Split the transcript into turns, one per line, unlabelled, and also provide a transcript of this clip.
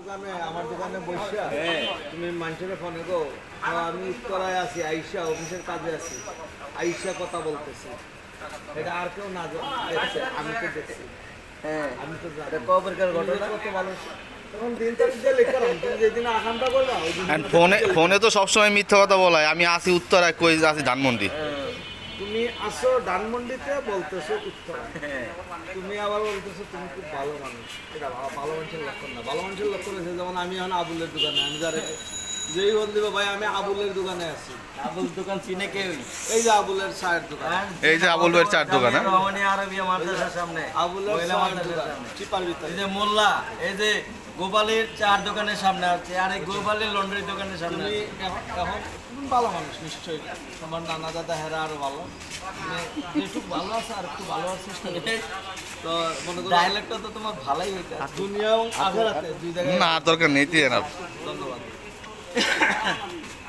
দোকানে আমার দোকানে বসা তুমি মানুষের ফোনে গো আমি উত্তরায় আছি আইসা অফিসের কাজে আছি আইসা কথা বলতেছি এটা আর কেউ না দেখছে আমি তো দেখছি আমি তো জানি
কবেরকার ঘটনা
কত ভালো তখন দিন তারিখ দিয়ে লিখলাম তুমি যেদিন আকাঙ্ক্ষা করবা ওই দিন
ফোনে ফোনে তো সবসময় মিথ্যা কথা বলায় আমি আসি উত্তরায় কই আছি ধানমন্ডি
তুমি আসো ধানমন্ডিতে বলতেছো উত্তরা তুমি আবার বলতেছো তুমি খুব ভালো মানুষ এটা ভালো মানুষের লক্ষণ না ভালো মানুষের লক্ষণ আছে যেমন আমি এখন আবুলের দোকানে আমি যারা যেই বল দিব ভাই আমি আবুলের দোকানে আছি
আবুল দোকান চিনে কেউ
এই যে আবুলের চায়ের দোকান
এই যে আবুল ভাইয়ের চার দোকান হ্যাঁ
রহমানি আরবিয়া মাদ্রাসার সামনে
আবুলের
মহিলা
চায়ের
মাদ্রাসার
দোকান
সামনে।
চিপার ভিতরে
এই যে মোল্লা এই যে গোপালের চার দোকানের সামনে আছে আর এই গোপালের লন্ড্রি দোকানের সামনে
তুমি
আছে।
এখন তুমি ভালো মানুষ নিশ্চয়ই তোমার নানা দাদা হেরা আরো ভালো তুমি একটু ভালো আছে আর একটু ভালো আছে চেষ্টা করো। তো মনে করো
ডায়লগটা তো তোমার ভালোই হইতে
দুনিয়া এবং আখেরাতে দুই জায়গায়
না আর দরকার নেই দিয়ে না
ধন্যবাদ